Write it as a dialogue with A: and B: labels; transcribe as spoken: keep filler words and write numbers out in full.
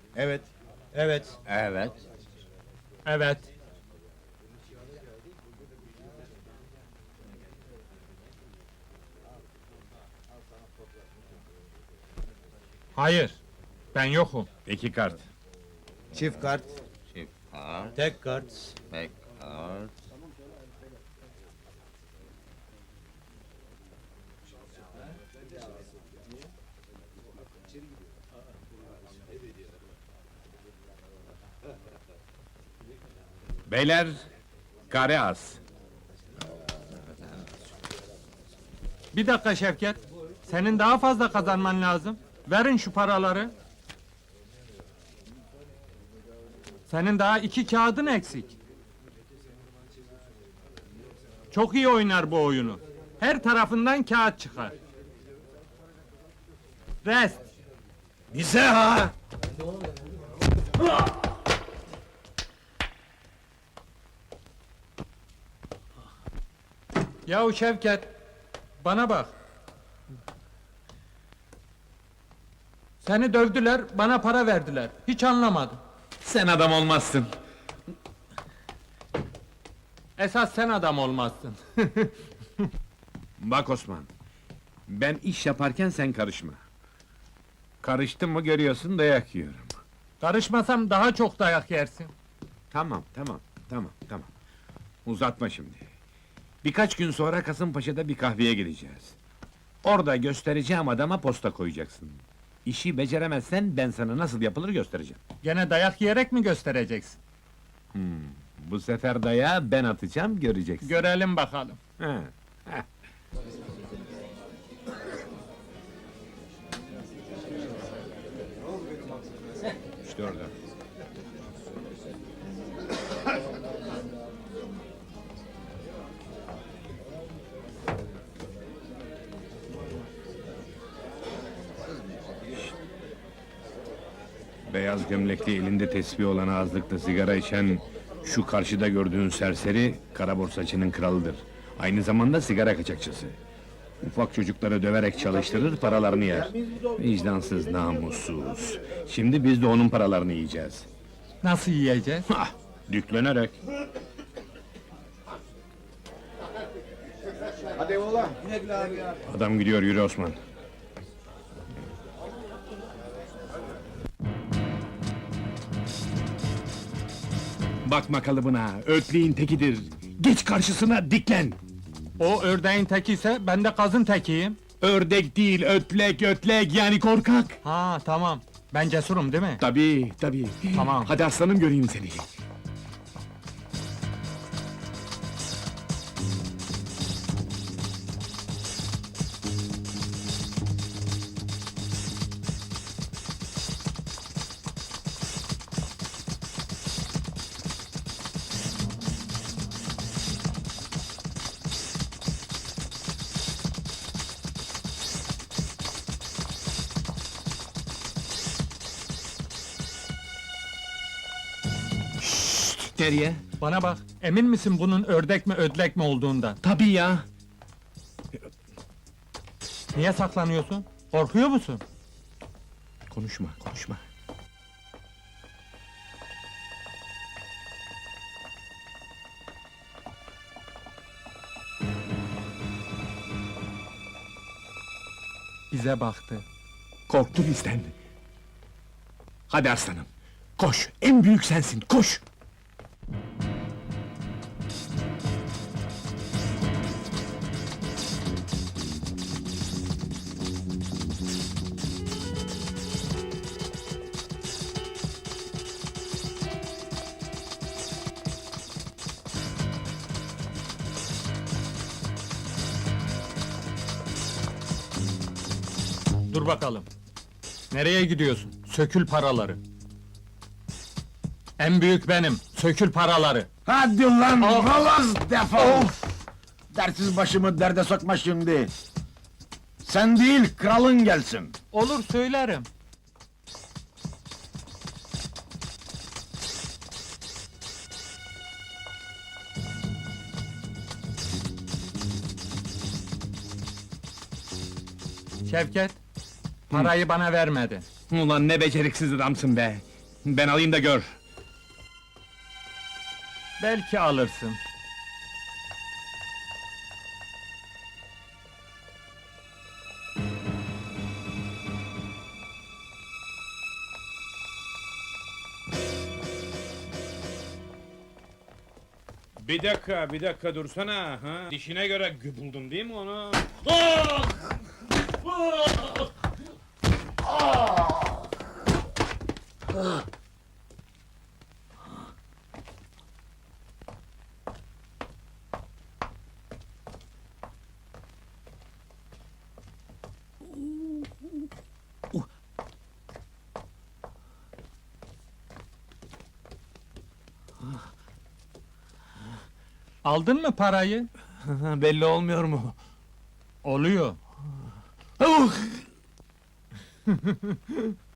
A: Evet. Evet.
B: Evet.
C: Evet. Hayır. Ben yokum.
B: İki kart.
A: Çift kart.
B: Çift kart,
A: Tek kart.
B: tek kart. Beyler, kare az.
C: Bir dakika Şevket. Senin daha fazla kazanman lazım. Verin şu paraları. Senin daha iki kağıdın eksik. Çok iyi oynar bu oyunu. Her tarafından kağıt çıkar. Rest.
A: Bize ha!
C: Yahu Şevket, bana bak. Seni dövdüler, bana para verdiler. Hiç anlamadım.
B: Sen adam olmazsın.
C: Esas sen adam olmazsın.
B: Bak Osman, ben iş yaparken sen karışma. Karıştın mı görüyorsun dayak yiyorum.
C: Karışmasam daha çok dayak yersin.
B: Tamam, tamam, tamam, tamam. Uzatma şimdi. Birkaç gün sonra Kasımpaşa'da bir kahveye gideceğiz. Orada göstereceğim adama posta koyacaksın. İşi beceremezsen ben sana nasıl yapılır göstereceğim.
C: Gene dayak yiyerek mi göstereceksin?
B: Bu sefer dayağı ben atacağım, göreceksin.
C: Görelim bakalım.
B: He, he. İşte orada. Beyaz gömlekli, elinde tesbih olan ağızlıkta sigara içen şu karşıda gördüğün serseri kara borsacının kralıdır. Aynı zamanda sigara kaçakçısı. Ufak çocukları döverek çalıştırır, paralarını yer. Vicdansız, namussuz. Şimdi biz de onun paralarını yiyeceğiz.
C: Nasıl yiyeceğiz?
B: Hah, düklenerek.
A: Hadi oğlan.
B: Adam gidiyor, yürü Osman. Bakma kalıbına, ötleğin tekidir. Geç karşısına, diklen!
C: O ördeğin teki ise ben de kazın tekiyim.
B: Ördek değil, ötlek, ötlek, yani korkak!
C: Ha tamam. Ben cesurum değil mi?
B: Tabii, tabii.
C: Tamam.
B: Hadi aslanım göreyim seni. Nereye?
C: Bana bak. Emin misin bunun ördek mi ödlek mi olduğundan?
B: Tabii ya.
C: Niye saklanıyorsun? Korkuyor musun?
B: Konuşma, konuşma.
C: Bize baktı.
B: Korktu bizden. Hadi aslanım, koş! En büyük sensin, koş!
C: Dur bakalım. Nereye gidiyorsun? Sökül paraları. En büyük benim. Sökül paraları.
A: Hadi lan!
C: Of!
A: Halaz defol! Dersiz başımı derde sokma şimdi! Sen değil, kralın gelsin!
C: Olur söylerim. Şevket, parayı bana vermedi.
B: Ulan ne beceriksiz adamsın be! Ben alayım da gör.
C: Belki alırsın.
B: Bir dakika, bir dakika dursana. Ha? Dişine göre buldun değil mi onu?
C: Aldın mı parayı?
D: Belli olmuyor mu?
C: Oluyor.